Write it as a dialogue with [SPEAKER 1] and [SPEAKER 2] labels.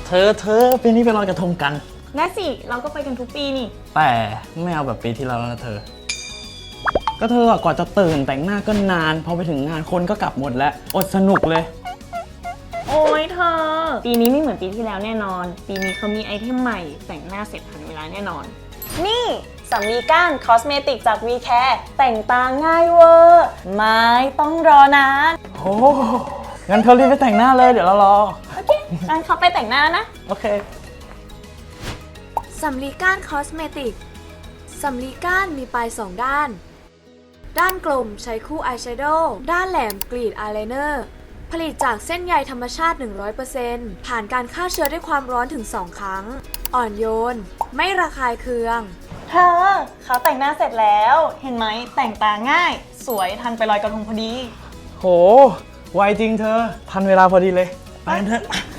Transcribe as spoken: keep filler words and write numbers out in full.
[SPEAKER 1] เธอเธอปีนี้ไปลอยกระทงกัน
[SPEAKER 2] ได้สิเราก็ไปกันทุกปีนี่
[SPEAKER 1] แต่ไม่เอาแบบปีที่แล้วนะเธอก็เธอกว่าจะตื่นแต่งหน้าก็นานพอไปถึงงานคนก็กลับหมดแล้วอดสนุกเลย
[SPEAKER 2] โอ้ยเธอปีนี้ไม่เหมือนปีที่แล้วแน่นอนปีนี้เขามีไอเทมใหม่แต่งหน้าเสร็จทันเวลาแน่นอนนี่สำลีก้านคอสเมติกจาก วี แคร์ แต่งตาง่ายเวอร์ไม่ต้องรอนาน
[SPEAKER 1] โอ้งั้นเธอรีบไปแต่งหน้าเลยเดี๋ยวเรารอ
[SPEAKER 2] โอเคงั้นเขาไปแต่งหน้านะ
[SPEAKER 1] โอเค
[SPEAKER 3] สำลีก้านคอสเมติกสำลีก้านมีปลายสองด้านด้านกลมใช้คู่อายแชโดว์ด้านแหลมกรีดอายไลเนอร์ผลิตจากเส้นใยธรรมชาติ หนึ่งร้อยเปอร์เซ็นต์ ผ่านการฆ่าเชื้อด้วยความร้อนถึงสองครั้งอ่อนโยนไม่ระคายเคือง
[SPEAKER 2] เธอเขาแต่งหน้าเสร็จแล้วเห็นไหมแต่งตาง่ายสวยทันไปลอยกระทงพอดี
[SPEAKER 1] โหไวจริงเธอทันเวลาพอดีเลยไปกันเถอะ